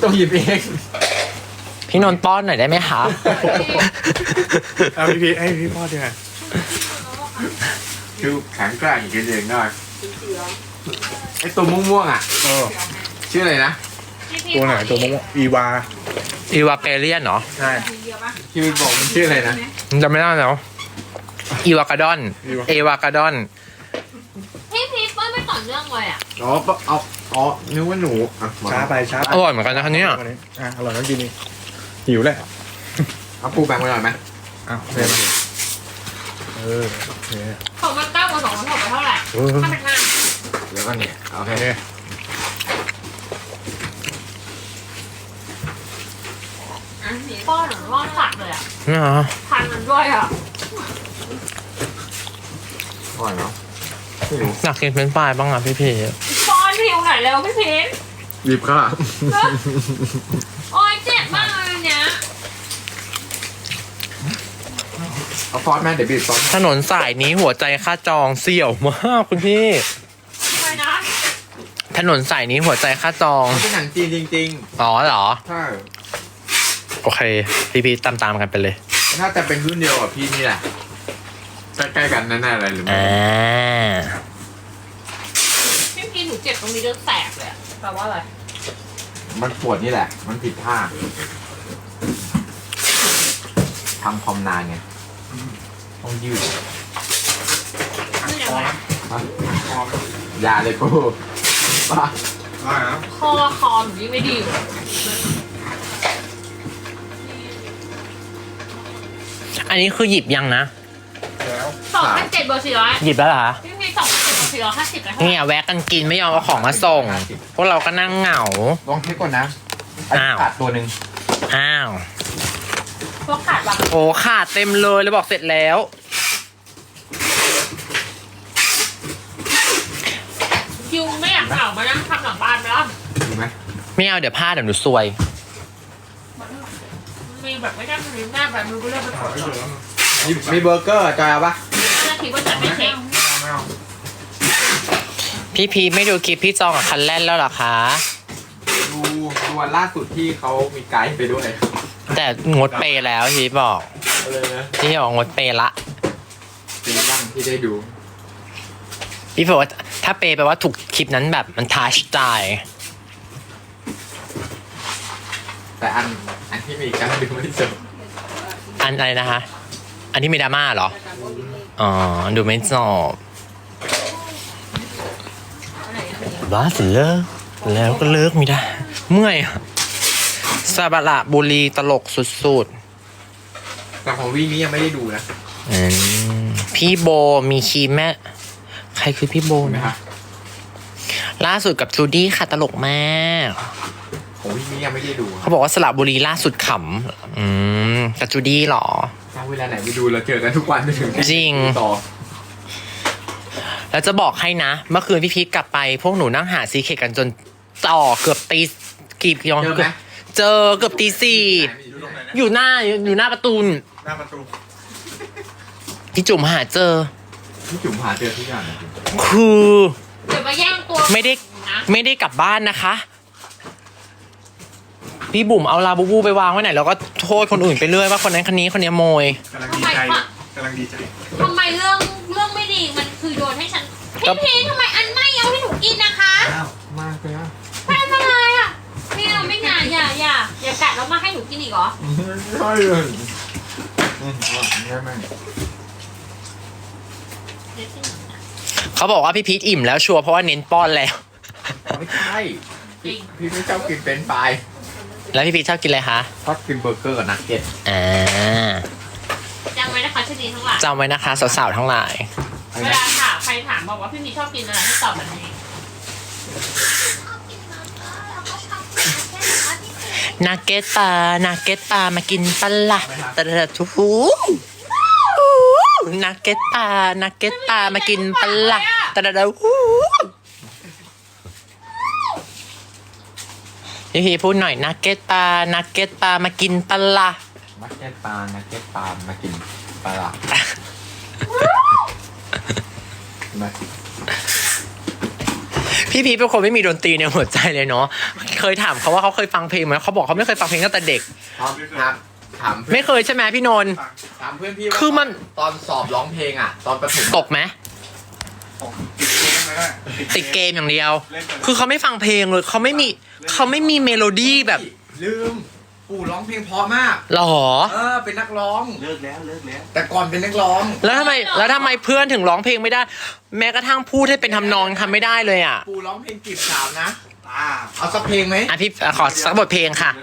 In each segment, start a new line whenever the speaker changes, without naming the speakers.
ต้องหยิบเอง
พี่นนท์ป้อนหน่อยได้ไหมคะ
เอาพี่ให้พี่พ่อดีกว่า
คือแข็งแกร่งกินเองได้ไอตัวม่วงๆอ่ะ
เออ
ชื่ออะไรนะ
ตัวไหนตัวมะม่วงอีวา
อีวาเปเลียนเหรอ
ใช่
ที่มันบอกมันชื่ออะไรนะ
จำไม่ได้แล้วอีวากาดอน เอวากาดอน
พี่พีเปิ้ลไม่ต่อเนื่องเลยอ่ะ
อ๋อเอาอ๋อนึกว่าหนูอ่ะมา
ช้าไปช้าไป
อร่อยเหมือนกันนะคะเนี่ย
อร่อยต้องกินนี่หิวแหละ
เอาปูแบงค์ไว้หน่อยไหม
อ้าวเดี๋ยวโอเค
ของมัน9 กับ2มันหมดไปเท่าไหร่ถ้าเป็นห้า
แล้วก็เนี่ยโอเค
โอเค
ป้อนหรือรอดสัตว์เลยอ่ะ
นี่เหรอ
พันมันด้วยอ่ะ
อร่อยเนาะไม่รู้
อยากกินเป็นปลายบ้างอ่ะพี่พี่
ป้อนผิวหน่อยเร็วพี่พีช
หยิบค่ะ
โอ๊ยเจ็บมากเลยอันเนี้ย
เอาซอสแม่เดี๋ยวบีบซอส
ถนนสายนี้หัวใจค่าจองเสี่ยวมากคุณพี่
ทำไมนะ
ถนนสายนี้หัวใจค่าจอง
มันเป็นหนังจีนจริง
อ๋อเหรอ
ๆใช่
โอเค พี่ตามกันไปเลย
น่าจะเป็นรุ่นเดียวกับพี่นี่แหละใกล้ๆกันแน่ๆอะไรหรือไม่
อ่า
พี่พีชหนูเจ็บตรงนี้จนแสบเลยอะแปลว่าอะไร
มันปวดนี่แหละ มันผิดท่าทำคอมนานไงต้องยืด
นี่ยังไง
ยาเลยกูป้า
ได้นะ
คอหนูยิ่งไม่ดีอยู่
อันนี้คือหยิบยังนะ
แล้ว
2,700 บวก400
หยิบแล้วเหรอคะ
พี่พีช2,700 บวก450เลยเท่าไหร่
เนี่ยแวะกันกินไม่ยอมเอาของมาส่ง พวกเราก็นั่งเหงา
ลองเช็คก่อนนะ
อ้าว
ขาดตัวหนึ่ง
อ้าว
พวกขาดบัก
โอ้ขาดเต็มเลยแล้วบอกเสร็จแล้ว
คิวไม่อยากเหงามานั่งทำหลังบ้านไหมล่ะ
ถูกไหม
ไม่เอาเดี๋ยวพลาดเดี๋ยวหนูซวย
มีแบบไม่ได้มีหน้าแบบมือก็เลือกไปขอ
ไม่
จ
เหลือ
มีเบอร์เกอร์จอยเอาปะ
น่าคิดว่าจะไม่เช็ค
ไม่เอา
พี่พีไม่ดูคลิปพี่จองกับคันแล่นแล้วเหรอคะ
ดูวันล่าสุดที่เขามีไกด์ไปด้วย
แต่งดเปย์แล้วพี่บอก
เลยนะ
พี่บอกงดเปย์ละ
เป็นบ้างที่ได้ดู
พี่บอกว่าถ้าเปย์แปลว่าถูกคลิปนั้นแบบมันทัชใจ
แต่อันที่มีการดูไม่จบ
อันอะไรนะคะ อันที่มีดราม่าเหรอ อ๋อ ดูไม่จบบ้าสิเลิกแล้วก็เลิกไม่ได้ เมื่อยอะซาบะระบุรีตลกสุด
แต่ของวีนี้ยังไม่ได้ดูนะ
ๆพี่โบมีคีแม่ ใครคือพี่โบ
ถูกไหม
นะครับ ล่าสุดกับจูดี้ค่ะตลกมาก
ของวีนี้ยังไม่ได้ดู
เขาบอกว่าสระบุรีล่าสุดขำกับจูดี้เหรอ
ถ้าเวลาไหนไปดูเราเจอกันทุกวันจนถึง
จริง
ต่อ
แล้วจะบอกให้นะ เมื่อคืนพี่พีทกลับไป พวกหนูนั่งหาซีเคทกันจนต่อเกือบตีกี่ยอง
เจอไหม
เจอเกือบตีสี่
อยู่ตรงไหน
อ
เนี่ย
ยู่หน้าประตู
หน้าประตู
พี่จุ๋มหาเจอ
พี่จุ๋มหาเจอทุกอย่างจริง
คือ
เดี๋ยวมาแย่งตัว
ไม่ได้
นะ
ไม่ได้กลับบ้านนะคะ พี่บุ๋มเอาลาบูบูไปวางไว้ไหนแล้วก็โทษคนอื่นไปเรื่อยว่าคนนั้นคนนี้คนนี้โมย
กำลังดีใจกำลังดีใจ
ทำไมเรื่องไม่ดีมันคือโยนให้ฉัน
ก็
พี่พีชทำไมอันไม่เอาให้หนูกินนะคะ
อ้าวมากเลยอ่ะ
แม่ทำไมอ่ะไม่เอาไม่งานอย่ากัดแล้วมาให้หนูกินอีกเหรอ
ใช่เลยใช่ไหม
เขาบอกว่าพี่พีทอิ่มแล้วชัวร์เพราะว่าเน้นป้อนแล้ว
ไม่ใช่พี่ไม่ชอบกินเป็นปลาย
แล้วพี่พีทชอบกินอะไรคะ
ชอบกินเบอร์เกอร์กับนักเก็ต
อ่า
จำไว้นะคะชนีทั้งหลาย
จำไว้นะคะสาวๆทั้งหลาย
เวลาถามใครถามบอกว่าพี่พีชชอบกินอะไรให้ตอบแบบนี้
นาเกตตามากินปะละตะละทูนาเกตตามากินปะละตะละทูพี่พูดหน่อยนาเกตตามากินปะละ
นักเก็ตปลานักเก็ตปลามากินปลาละมา
พี่พีชเป็นคนไม่มีดนตรีในหัวใจเลยเนาะเคยถามเขาว่าเขาเคยฟังเพลงไหมเขาบอกเขาไม่เคยฟังเพลงตั้งแต่เด็ก
ถาม
ไม่เคยใช่ไหมพี่นนท์
ถามเพื่อนพี่ว่า
คือมัน
ตอนสอบร้องเพลงอ่ะ ตอนประถม
ตกไหมติดเกมอย่างเดียว คือเขาไม่ฟังเพลงเลยเขาไม่มีเมโลดี้แบบ
ลืมปู่ร้องเพลงเพราะมาก
หรอ
เป็นนักร้อง
เลิกแล้ว
แต่ก่อนเป็นนักร้อง
แล้วทำไมเพื่อนถึงร้องเพลงไม่ได้ แม้กระทั่งพูดให้เป็นทำนองทำไม่ได้เลยอ่ะ
ปู่ร้องเพลงจีบสาวนะเอาสักเพลงไหม
อ่ะพี่ขอสักบทเพลงค่ะ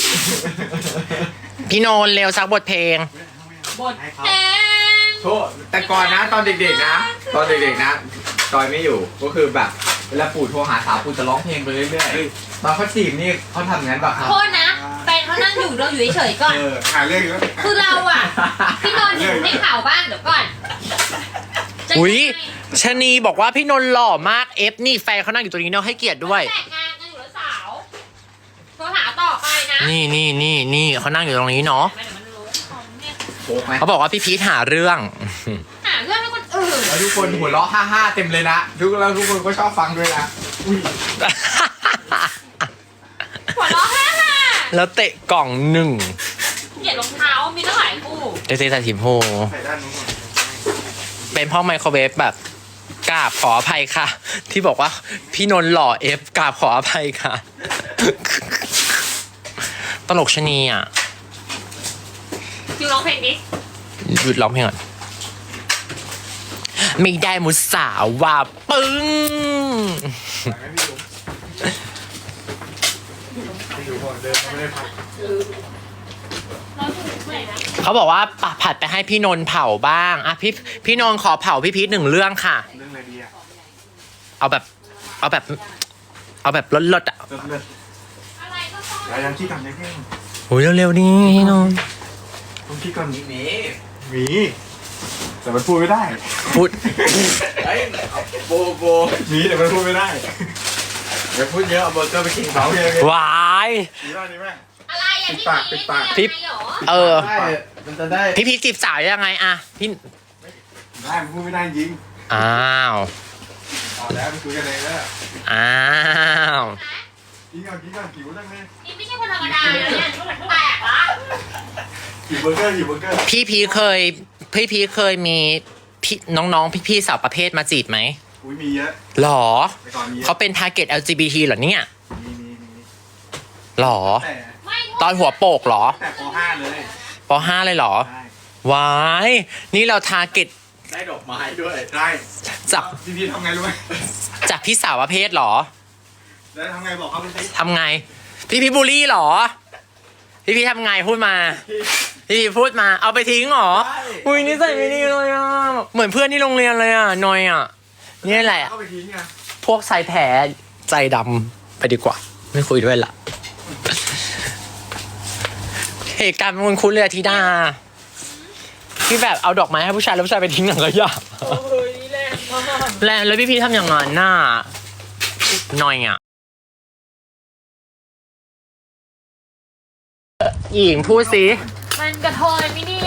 พี่นนท์เร็วสักบทเพลง
บทเพลง
โทษแต่ก่อนนะตอนเด็กๆนะ ตอนเด็กๆนะจอยไม่อยู่ก็คือแบบเวลาปู่โทรหาสาวปู่จะร้องเพลงไปเรื่อยๆตอนเขาจีบนี่เขาทำงั้นแบบครับ
โทษนะแฟนเขานั่งอยู่เราอยู่เฉยๆก่อน
หาเรื่องแล้ว
คือเราอ่ะ พี่นนท์อยู่ให้ข่าวบ้างเดี๋ยวก่อนจะ
อุ๊ย
งไง
ชะนีบอกว่าพี่นนท์หล่อมากเอฟนี่แฟนเขานั่งอยู่ตรงนี้เนาะให้เกียรติด้วย
แต่งงานกันอยู่แล้วสาวโทรหาต่อไปนะ
นี่เขานั่งอยู่ตรงนี้เนาะ
เดี๋ยวมันรู้ของเนี่ย
โป๊กไหม
เขาบอกว่าพี่พีทหาเรื่อง
หาเรื่องให้คนอื่น
แล้วทุกคนหัวเราะฮ่าๆเต็มเลยนะแล้วทุกคนก็ชอบฟังด้วยนะ
หัวเราะแฮ่
แล้วเตะกล่องหนึ่ง
ๆเกลียดรองเท้ามีตั้งหลายคู่
เตะแต่ทีมโฮ
ใส่ด้านนู้นก่อน
เป็นพ่อไมโครเวฟแบบกราบขออภัยค่ะ ที่บอกว่าพี่นนท์หล่อเอฟกราบขออภัยค่ะ ตลกชะนีอ่ะ
คิวร้องเพลงดิ
หยุดร้องเพลงก่อนไม่ได้มุสาวว่าปึ้ง
เราอยู่เมื่อไหร่นะ
เขาบอกว่าผัดไปให้พี่นนท์เผาบ้างอ่ะพี่นนท์ขอเผาพี่พีทหนึ่งเรื่องค่ะ
เรื่องอะไรดีอ่ะ
เอาแบบลดๆอ่ะ
เลิก
อะไรก็ต้อง
ๆยังขี้ก่อนยังแค่
โอ้ยเร็วๆนี่พี่นนท์
ต้องขี้ก่อน
นี่
มีแต่มันพูดไม่ได้
พูด
เฮ้ยเอาโบ
มีแต่มันพูดไม่ได้
อย่าพูดเยอะเอาเบอร์เกอร์ไปกินเขา
โอเค
วาย
ดีมากดีมาก
อะไรอ่ะ
ปิดปากปิดปาก
พี่
พี่เหรอ
เออ
ได้มันจะได้
พี่พีทจีบสาวยังไงอ่ะพี่
ได้มันพูดไม่ได้จริง
อ้าว
เอาแล้วไปคุยกันเองแล้ว
อ้าว
กินก่อนหิวจังเลย
นี่ไม่ใช่คนธรรมดาเลยเนี่ยแปลกละ
หิวเบอร์เกอร์
พี่พีทเคยมีพี่น้องๆพี่ๆสาวประเภทมาจีบไหม
อุ้ยมีเยอะ
หรอ
ไปก่อนมีเยอะ
เขาเป็น target LGBT เหรอเนี่ย
มี
หรอ
แต่
ไม่
ตอนหัวโปกเหรอ
แต่ป .5 เลย
ป .5 เลยเหรอ
ใช่
วายนี่เรา target
ได้ดอกไม้ด้วย
ได้
จาก
พี่ทำไงรู้ไหม
จากพี่สาวประเภทเหรอ
แล้วทำไงบอกเขาไปสิ
ทำไง พี่พีทบูลลี่เหรอ พี่พีททำไงพูดมา พี่พีทพูดมาเอาไปทิ้งเหรอ อุ้ยนี่ใส่ไม่ดีเลยอ่ะ เหมือนเพื่อนที่โรงเรียนเลยอ่ะนอยอ่ะนี่แหละ
เข้าไปทิ้งไง
พวกชายแท้ใจดำไปดีกว่า ไม่คุยด้วยละเหตุการณ์มันคุ้นเลยอะธิดาที่แบบเอาดอกไม้ให้ผู้ชายแล้วผู้ชายไปทิ้งหนังขยะ
โอ้ยแรงมาก
แล้วพี่พีทำอย่างนั้นน่ะหน่อยอ่ะหญิงพูดสิ
มันกระเทยไม่ดี